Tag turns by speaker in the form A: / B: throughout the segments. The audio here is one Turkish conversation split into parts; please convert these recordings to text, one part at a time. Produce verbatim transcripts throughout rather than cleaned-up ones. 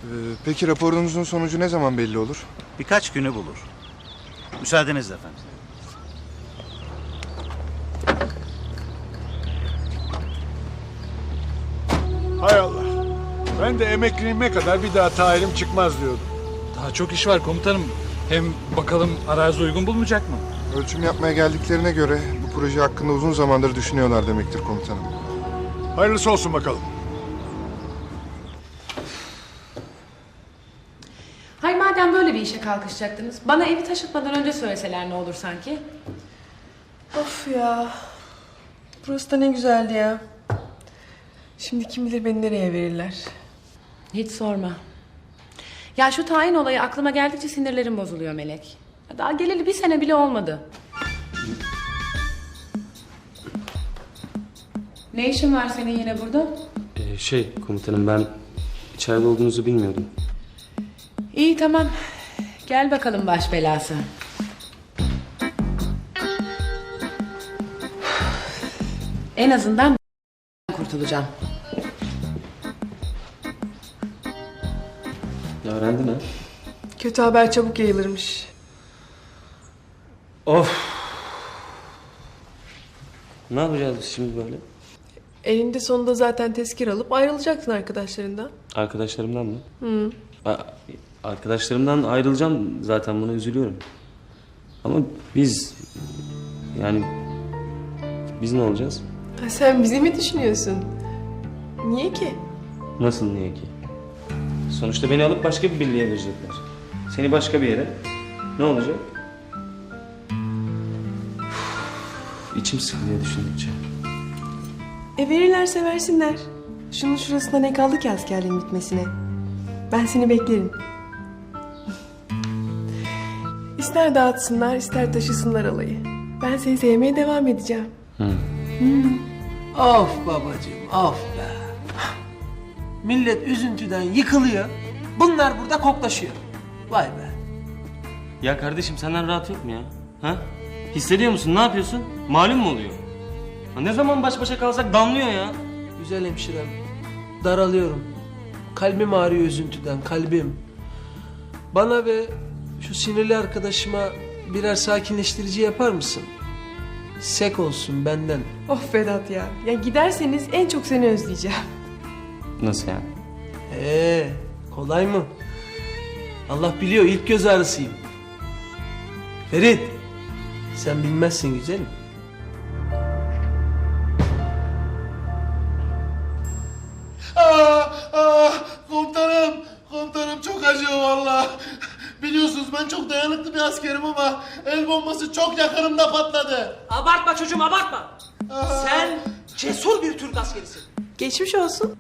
A: peki raporunuzun sonucu ne zaman belli olur?
B: Birkaç günü bulur. Müsaadenizle efendim.
C: Hay Allah. Ben de emekliliğime kadar bir daha tayinim çıkmaz diyordum.
D: Daha çok iş var komutanım. Hem bakalım arazi uygun bulmayacak mı?
A: Ölçüm yapmaya geldiklerine göre bu proje hakkında uzun zamandır düşünüyorlar demektir komutanım.
C: Hayırlısı olsun bakalım.
E: Hay madem böyle bir işe kalkışacaktınız, bana evi taşıtmadan önce söyleseler ne olur sanki?
F: Of ya. Burası da ne güzeldi ya. Şimdi kim bilir beni nereye verirler.
E: Hiç sorma. Ya şu tayin olayı aklıma geldikçe sinirlerim bozuluyor Melek. Daha geleli bir sene bile olmadı. Ne işin var senin yine burada?
G: Ee, şey komutanım ben içeride olduğunuzu bilmiyordum.
E: İyi tamam. Gel bakalım baş belası. En azından kurtulacağım.
G: Ya öğrendin ha?
F: Kötü haber çabuk yayılırmış.
G: Of. Ne yapacağız biz şimdi böyle?
F: Elinde sonunda zaten tezkir alıp ayrılacaksın arkadaşlarından.
G: Arkadaşlarımdan mı? Hı. Arkadaşlarımdan ayrılacağım zaten, buna üzülüyorum. Ama biz yani biz ne olacağız?
F: Ha, sen bizi mi düşünüyorsun? Niye ki?
G: Nasıl niye ki? Sonuçta beni alıp başka bir birliğe verecekler. Seni başka bir yere. Ne olacak? Uf, içim sıkılıyor düşündükçe.
F: E verirlerse versinler. Şunun şurasında ne kaldı ki askerliğin bitmesine? Ben seni beklerim. İster dağıtsınlar, ister taşısınlar alayı. Ben seni sevmeye devam edeceğim.
G: Hı.
H: Of babacığım, of be. Millet üzüntüden yıkılıyor. Bunlar burada koklaşıyor. Vay be.
G: Ya kardeşim senden rahat yok mu ya? Ha? Hissediyor musun? Ne yapıyorsun? Malum mu oluyor? Ha, ne zaman baş başa kalsak damlıyor ya.
H: Güzel hemşirem. Daralıyorum. Kalbim ağrıyor üzüntüden, kalbim. Bana ve şu sinirli arkadaşıma birer sakinleştirici yapar mısın? Sek olsun benden.
F: Of Vedat ya. Ya giderseniz en çok seni özleyeceğim.
G: Nasıl ya?
H: Ee, kolay mı? Allah biliyor, ilk göz ağrısıyım. Ferit, sen bilmezsin güzelim.
I: Aa, aa, komutanım, komutanım çok acıyor valla. Biliyorsunuz ben çok dayanıklı bir askerim ama el bombası çok yakınımda patladı.
H: Abartma çocuğum, abartma. Sen cesur bir Türk askerisin.
F: Geçmiş olsun.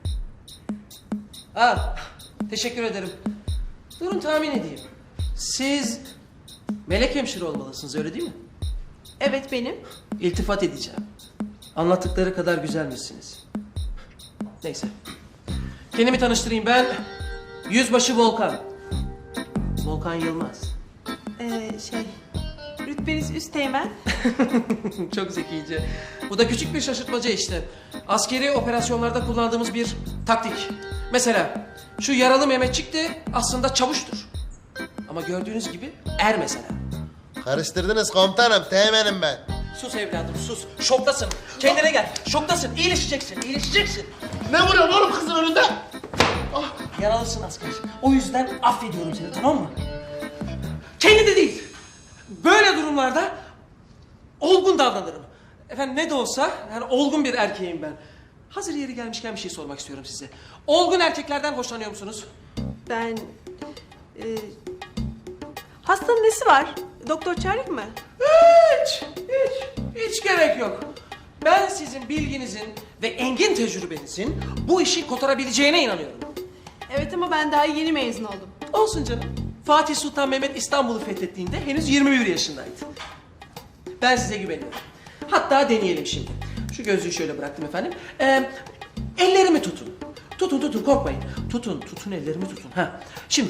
H: Ha, teşekkür ederim. Durun tahmin edeyim. Siz melek hemşire olmalısınız, öyle değil mi?
F: Evet benim.
H: İltifat edeceğim. Anlattıkları kadar güzelmişsiniz. Neyse. Kendimi tanıştırayım, ben Yüzbaşı Volkan. Volkan Yılmaz.
F: Ee, şey... Rütbeniz üsteğmen.
H: Çok zekice. Bu da küçük bir şaşırtmaca işte. Askeri operasyonlarda kullandığımız bir taktik. Mesela şu yaralı Mehmetçik de aslında çavuştur. Ama gördüğünüz gibi er mesela.
I: Karıştırdınız komutanım, teğmenim ben.
H: Sus evladım sus. Şoktasın. Kendine gel. Şoktasın. İyileşeceksin. İyileşeceksin.
I: Ne vuruyorsun oğlum kızın önünde?
H: Yaralısın asker. O yüzden affediyorum seni, tamam mı? Kendinde değil. Böyle durumlarda olgun davranırım. Efendim ne de olsa yani olgun bir erkeğim ben. Hazır yeri gelmişken bir şey sormak istiyorum size. Olgun erkeklerden hoşlanıyor musunuz?
F: Ben... E, hastanın nesi var? Doktor çağırayım mı?
H: Hiç, hiç, hiç gerek yok. Ben sizin bilginizin ve engin tecrübenizin bu işi kotarabileceğine inanıyorum.
F: Evet ama ben daha yeni mezun oldum.
H: Olsun canım. Fatih Sultan Mehmet İstanbul'u fethettiğinde henüz yirmi bir yaşındaydı. Ben size güveniyorum. Hatta deneyelim şimdi. Şu gözlüğü şöyle bıraktım efendim. Ee, ellerimi tutun. Tutun tutun korkmayın. Tutun tutun ellerimi tutun. Ha. Şimdi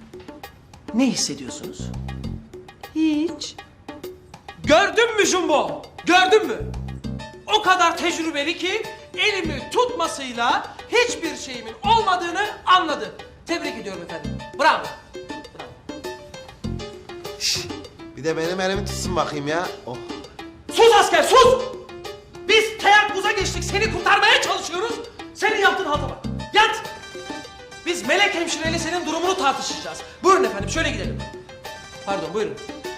H: ne hissediyorsunuz?
F: Hiç.
H: Gördün mü Jumbo? Gördün mü? O kadar tecrübeli ki elimi tutmasıyla hiçbir şeyimin olmadığını anladı. Tebrik ediyorum efendim. Bravo.
I: Bir de benim elimi tutsun bakayım ya. Oh.
H: Sus asker sus! Biz teyakkuza geçtik, seni kurtarmaya çalışıyoruz. Senin yaptığın halta bak. Yat! Biz Melek hemşireyle senin durumunu tartışacağız. Buyurun efendim, şöyle gidelim. Pardon, buyurun.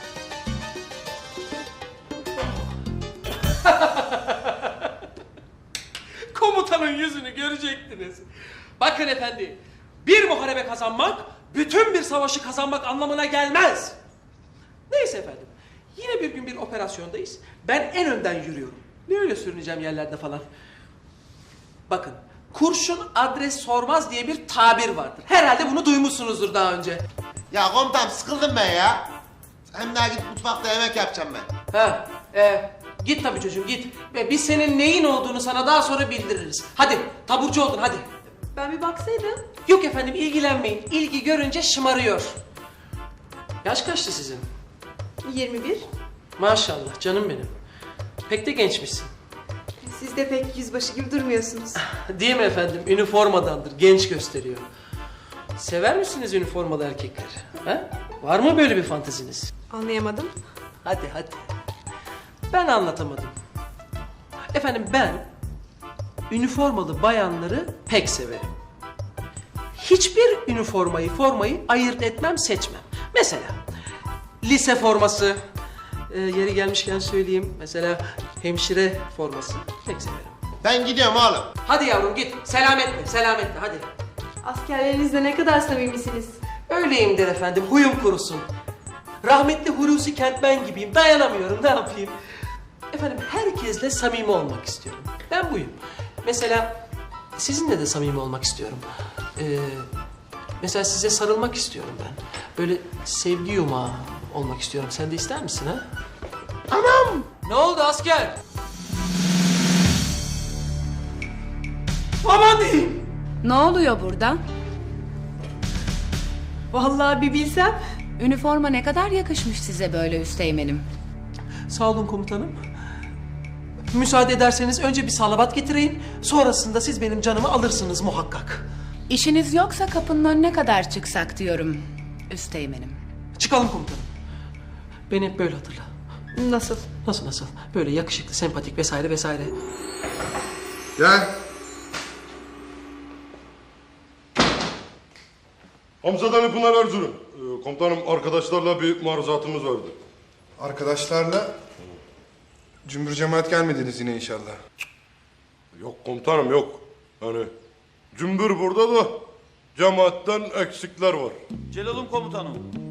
H: Komutanın yüzünü görecektiniz. Bakın efendi, bir muharebe kazanmak, bütün bir savaşı kazanmak anlamına gelmez. Neyse efendim, yine bir gün bir operasyondayız. Ben en önden yürüyorum. Ne öyle sürüneceğim yerlerde falan. Bakın, kurşun adres sormaz diye bir tabir vardır. Herhalde bunu duymuşsunuzdur daha önce.
I: Ya komutanım sıkıldım ben ya. Hem daha git mutfakta yemek yapacağım ben.
H: Ha, e, git tabii çocuğum git. Ve biz senin neyin olduğunu sana daha sonra bildiririz. Hadi, taburcu oldun hadi.
F: Ben bir baksaydım.
H: Yok efendim ilgilenmeyin. İlgi görünce şımarıyor. Yaş kaçtı sizin?
F: yirmi bir.
H: Maşallah canım benim. Pek de gençmişsin.
F: Siz de pek yüzbaşı gibi durmuyorsunuz.
H: Değil mi efendim? Üniformadandır. Genç gösteriyor. Sever misiniz üniformalı erkekleri? Ha? Var mı böyle bir fanteziniz?
F: Anlayamadım.
H: Hadi hadi. Ben anlatamadım. Efendim ben üniformalı bayanları pek severim. Hiçbir üniformayı, formayı ayırt etmem, seçmem. Mesela lise forması, e, yeri gelmişken söyleyeyim. Mesela hemşire forması pek severim.
I: Ben gidiyorum oğlum.
H: Hadi yavrum git. Selametle, selametle hadi.
F: Askerlerinizle ne kadar samimisiniz?
H: Öyleyimdir efendim, huyum kurusun. Rahmetli Hulusi Kentmen gibiyim, dayanamıyorum, ne yapayım? Efendim, herkesle samimi olmak istiyorum. Ben buyum. Mesela sizinle de samimi olmak istiyorum. Ee, mesela size sarılmak istiyorum ben. Böyle sevgi yumağı olmak istiyorum. Sen de ister misin ha? Anam! Ne oldu asker? Aman diyeyim!
E: Ne oluyor burada?
F: Vallahi bir bilsem.
E: Üniforma ne kadar yakışmış size böyle üsteğmenim.
H: Sağ olun komutanım. Müsaade ederseniz önce bir salavat getireyim. Sonrasında siz benim canımı alırsınız muhakkak.
E: İşiniz yoksa kapının önüne kadar çıksak diyorum üsteğmenim.
H: Çıkalım komutanım. Beni hep böyle hatırla.
F: Nasıl?
H: Nasıl nasıl? Böyle yakışıklı, sempatik vesaire vesaire.
A: Gel.
J: Hamzadan Pınar Erzurum. Ee, komutanım arkadaşlarla bir maruzatımız vardı.
A: Arkadaşlarla cümbür cemaat gelmediniz yine inşallah.
J: Yok komutanım yok. Yani cümbür burada da cemaatten eksikler var.
B: Celal'im komutanım.